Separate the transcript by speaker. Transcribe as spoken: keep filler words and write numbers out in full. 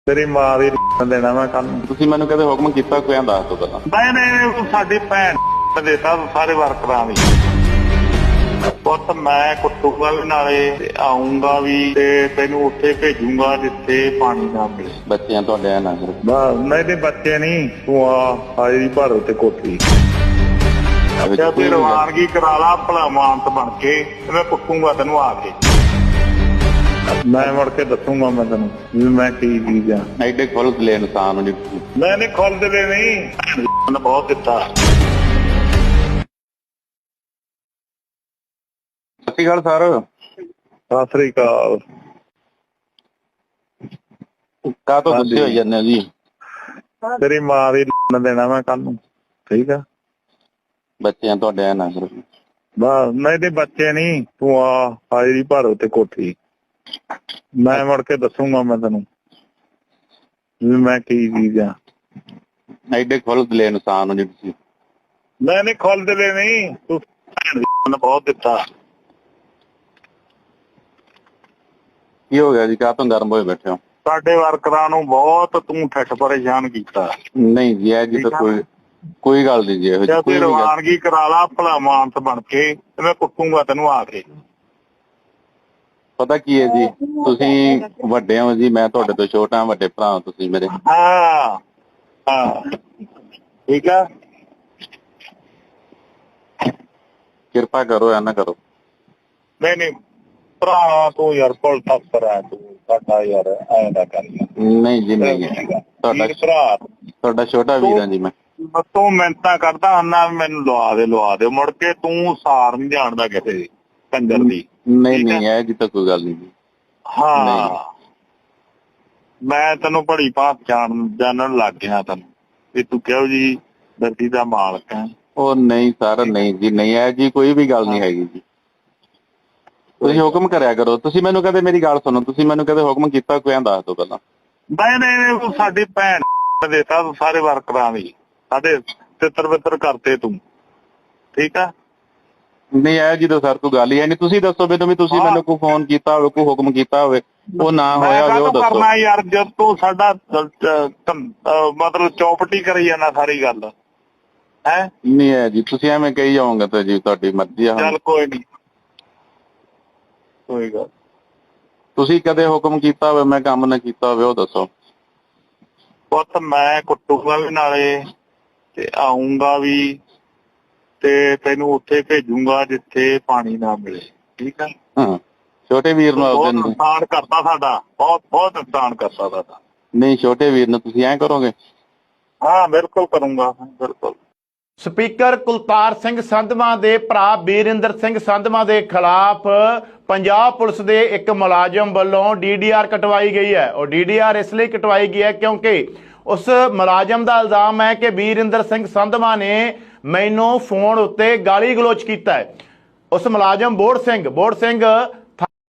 Speaker 1: ਤੇਰੀ ਮਾਂ ਦੀ ਦੇਣਾ ਮੈਂ ਕੱਲ ਨੂੰ।
Speaker 2: ਤੁਸੀਂ ਮੈਨੂੰ ਕਦੇ ਹੁਕਮ ਕੀਤਾ ਕੋਈ ਆਂ ਦੱਸ ਦੋ ਪਹਿਲਾਂ।
Speaker 1: ਮੈਂ ਨੇ ਸਾਡੀ ਭੈਣ ਦੇਤਾ ਸਾਰੇ ਵਰਕਰਾਂ ਦੀ ਪੁੱਤ ਮੈਂ ਕੁੱਟੂਗਾ ਵੀ ਨਾਲੇ ਤੇ ਆਉਂਗਾ ਵੀ ਤੇ ਤੈਨੂੰ ਉੱਥੇ ਭੇਜੂਗਾ ਜਿੱਥੇ ਪਾਣੀ ਨਾ ਮਿਲੇ।
Speaker 2: ਬੱਚਿਆਂ ਤੁਹਾਡੇ ਨਾ ਕਰੋ।
Speaker 1: ਬਸ ਨਹੀਂ ਤੇ ਬੱਚੇ ਨਹੀਂ ਤੂੰ ਆ ਆਈ ਭਰ ਉੱਤੇ ਕੋਠੀ ਅੱਛਾ ਤੇ ਰਵਾਨਗੀ ਕਰਾ ਲਾ ਭਲਾ ਮਾਨਤ ਬਣ ਕੇ ਤੇ ਮੈਂ ਕੁੱਟੂਗਾ ਤੈਨੂੰ ਆ ਕੇ। ਮੈਂ ਮੁੜ ਕੇ ਦੱਸੂਗਾ ਮੈਂ ਤੈਨੂੰ ਵੀ ਮੈਂ ਕੀ ਚੀਜ਼ ਆ।
Speaker 2: ਐਡੇ ਖੁੱਲ ਲੈ ਇਨਸਾਨ ਨੂੰ
Speaker 1: ਮੈਂ ਨਹੀਂ ਖੁੱਲ ਦੇ ਨਹੀਂ ਬਹੁਤ ਦਿੱਤਾ।
Speaker 2: ਸਤਿ ਸ਼੍ਰੀ ਅਕਾਲ ਸਰ।
Speaker 1: ਸਤਿ ਸ੍ਰੀ ਅਕਾਲ।
Speaker 2: ਕਾਹ ਤੋਂ ਗੁੱਸੇ ਹੋਈ ਜਾਂਦੇ ਹੋ ਜੀ?
Speaker 1: ਤੇਰੀ ਮਾਂ ਦੀ ਦੇਣਾ ਮੈਂ ਕੱਲ ਨੂੰ। ਠੀਕ ਆ
Speaker 2: ਬੱਚਿਆਂ ਤੁਹਾਡੇ ਨਾ ਕਰੋ।
Speaker 1: ਬਸ ਨਹੀਂ ਤੇ ਬੱਚੇ ਨਹੀਂ ਤੂੰ ਆ ਆਈ ਭਰ ਉੱਤੇ ਕੋਠੀ ਮੈਂ ਮੁੜ ਕੇ ਦੱਸੂਗਾ ਮੈਂ ਤੈਨੂੰ ਵੀ ਮੈਂ ਕੀ ਚੀਜ਼ ਆ।
Speaker 2: ਐਡੇ ਖੁੱਲ ਲੈ ਇਨਸਾਨ ਨੂੰ ਜੀ ਤੁਸੀਂ।
Speaker 1: ਮੈਂ ਨਹੀਂ ਖੁੱਲ ਦੇ ਨਹੀਂ ਤੂੰ ਬਹੁਤ ਦਿੱਤਾ।
Speaker 2: ਕੀ ਹੋ ਗਿਆ ਜੀ? ਕਾਹ ਤੋਂ ਗਰਮ ਹੋਏ ਬੈਠੇ ਹੋ?
Speaker 1: ਸਾਡੇ ਵਰਕਰਾਂ ਨੂੰ ਬਹੁਤ ਤੂੰ ਠੱਠ ਪਰੇਸ਼ਾਨ ਕੀਤਾ।
Speaker 2: ਨਹੀਂ ਜੀ ਇਹ ਜੀ ਤਾਂ ਕੋਈ ਕੋਈ ਗੱਲ ਨਹੀਂ ਜੀ ਇਹੋ ਜਿਹੀ ਕੋਈ
Speaker 1: ਰਵਾਨਗੀ ਕਰਾ ਲਾ ਭਲਾ ਮਾਨਤ ਬਣ ਕੇ ਤੇ ਮੈਂ ਕੁੱਟੂਗਾ ਤੈਨੂੰ ਆ ਕੇ।
Speaker 2: ਪਤਾ ਕੀ ਹੈ ਜੀ ਤੁਸੀਂ ਵੱਡੇ ਹੋ ਜੀ ਮੈਂ ਤੁਹਾਡੇ ਤੋਂ ਛੋਟਾ ਵੱਡੇ ਭਰਾ ਤੁਸੀਂ ਮੇਰੇ।
Speaker 1: ਹਾਂ ਹਾਂ ਠੀਕ ਆ
Speaker 2: ਕਿਰਪਾ ਕਰੋ ਐ ਨਾ ਕਰੋ।
Speaker 1: ਨਹੀਂ ਨਹੀਂ ਭਰਾ ਤੂੰ ਯਾਰ ਕੋਲ ਤੱਕ ਆ ਤੂੰ ਸਾਡਾ ਯਾਰ ਐ ਨਾ ਕਰ।
Speaker 2: ਨਹੀਂ ਜੀ ਨਹੀਂ ਤੁਹਾਡਾ
Speaker 1: ਭਰਾ
Speaker 2: ਤੁਹਾਡਾ ਛੋਟਾ ਵੀਰ ਹਾਂ ਜੀ ਮੈਂ।
Speaker 1: ਤੂੰ ਮਿਹਨਤਾਂ ਕਰਦਾ ਹਨਾ ਮੈਨੂੰ ਲਵਾ ਦੇ ਲਵਾ ਦੇ ਮੁੜ ਕੇ ਤੂੰ ਸਾਰ ਨਹੀਂ ਜਾਣਦਾ ਕਿਸੇ ਦੀ ਕੰਜਰ ਦੀ।
Speaker 2: ਨਹੀਂ ਨਹੀਂ ਇਹ ਜੀ ਤਾਂ ਕੋਈ ਗੱਲ ਨਹੀਂ ਜੀ।
Speaker 1: ਹਾਂ ਮੈਂ ਤੈਨੂੰ ਬੜੀ ਭਾਤ ਜਾਣ ਜਾਣਨ ਲੱਗ ਗਿਆ ਤੈਨੂੰ ਵੀ ਤੂੰ ਕਿਹੋ ਜੀ ਧਰਤੀ ਦਾ ਮਾਲਕ ਹੈ।
Speaker 2: ਉਹ ਨਹੀਂ ਸਰ ਨਹੀਂ ਜੀ ਨਹੀਂ ਇਹ ਜੀ ਕੋਈ ਵੀ ਗੱਲ ਨਹੀਂ ਹੈਗੀ ਜੀ। ਤੁਸੀਂ ਹੁਕਮ ਕਰਿਆ ਕਰੋ। ਤੁਸੀਂ ਮੈਨੂੰ ਕਦੇ ਮੇਰੀ ਗੱਲ ਸੁਣੋ ਤੁਸੀਂ ਮੈਨੂੰ ਕਦੇ ਹੁਕਮ ਕੀਤਾ ਕੋਈ ਆਂ ਦੱਸ ਦੋ ਪਹਿਲਾਂ।
Speaker 1: ਨਹੀਂ ਨਹੀਂ ਸਾਡੀ ਭੈਣ ਦੇਤਾ ਸਾਰੇ ਵਰਕਰਾਂ ਦੀ ਸਾਡੇ ਤਿੱਤਰ ਬਿੱਤਰ ਕਰਤੇ ਤੂੰ। ਠੀਕ ਆ
Speaker 2: ਨਹੀਂ ਇਹ ਜੀ ਤਾਂ ਸਰ ਕੋਈ ਗੱਲ ਹੀ ਹੈ ਨਹੀਂ। ਤੁਸੀਂ ਦੱਸੋ ਮੈਨੂੰ ਵੀ ਤੁਸੀਂ ਮੈਨੂੰ ਕੋਈ ਫੋਨ ਕੀਤਾ ਹੋਵੇ ਕੋਈ ਹੁਕਮ ਕੀਤਾ ਹੋਵੇ ਉਹ ਨਾ ਹੋਇਆ ਹੋਵੇ ਉਹ ਦੱਸੋ।
Speaker 1: ਕਰਨਾ ਯਾਰ ਜਦ ਤੂੰ ਸਾਡਾ ਮਤਲਬ ਚੌਪਟੀ ਕਰੀ ਜਾਂਦਾ ਸਾਰੀ ਗੱਲ ਹੈ।
Speaker 2: ਨਹੀਂ ਹੈ ਜੀ ਤੁਸੀਂ ਐਵੇਂ ਕਹੀ ਜਾਓਗੇ ਤਾਂ ਜੀ ਤੁਹਾਡੀ ਮਰਜ਼ੀ ਆ।
Speaker 1: ਚੱਲ ਕੋਈ ਨੀ ਕੋਈ ਗੱਲ।
Speaker 2: ਤੁਸੀਂ ਕਦੇ ਹੁਕਮ ਕੀਤਾ ਹੋਵੇ ਮੈਂ ਕੰਮ ਨਾ ਕੀਤਾ ਹੋਵੇ ਉਹ ਦੱਸੋ।
Speaker 1: ਪੁੱਤ ਮੈਂ ਕੁੱਟੂਗਾ ਵੀ ਨਾਲੇ ਤੇ ਆਉਂਗਾ ਵੀ ਤੇ ਤੈਨੂੰ ਉੱਥੇ ਭੇਜੂਗਾ ਜਿੱਥੇ ਪਾਣੀ ਨਾ ਮਿਲੇ। ਠੀਕ ਆ
Speaker 2: ਹਾਂ ਛੋਟੇ ਵੀਰ ਨੂੰ
Speaker 1: ਬਹੁਤ ਨੁਕਸਾਨ ਕਰਤਾ ਸਾਡਾ ਬਹੁਤ ਬਹੁਤ ਨੁਕਸਾਨ ਕਰਤਾ ਸਾਡਾ।
Speaker 2: ਨਹੀਂ ਛੋਟੇ ਵੀਰ ਨੂੰ ਤੁਸੀਂ ਐਂ ਕਰੋਗੇ?
Speaker 1: ਹਾਂ ਬਿਲਕੁਲ ਕਰੂੰਗਾ ਬਿਲਕੁਲ।
Speaker 3: ਸਪੀਕਰ ਕੁਲਤਾਰ ਸਿੰਘ ਸੰਧਵਾਂ ਦੇ ਭਰਾ ਬੀਰਿੰਦਰ ਸਿੰਘ ਸੰਧਵਾਂ ਦੇ ਖਿਲਾਫ ਪੰਜਾਬ ਪੁਲਿਸ ਦੇ ਇੱਕ ਮੁਲਾਜ਼ਮ ਵੱਲੋਂ ਡੀ ਡੀ ਆਰ ਕਟਵਾਈ ਗਈ ਹੈ। ਉਹ ਡੀ ਡੀ ਆਰ ਇਸ ਲਈ ਕਟਵਾਈ ਗਈ ਹੈ ਕਿਉਂਕਿ ਉਸ ਮੁਲਾਜ਼ਮ ਦਾ ਇਲਜ਼ਾਮ ਹੈ ਕਿ ਬੀਰਿੰਦਰ ਸਿੰਘ ਸੰਧਵਾਂ ਨੇ ਮੈਨੂੰ ਫੋਨ ਉੱਤੇ ਗਾਲੀ ਗਲੋਚ ਕੀਤਾ ਹੈ। ਉਸ ਮੁਲਾਜ਼ਮ ਬੋੜ ਸਿੰਘ ਬੋੜ ਸਿੰਘ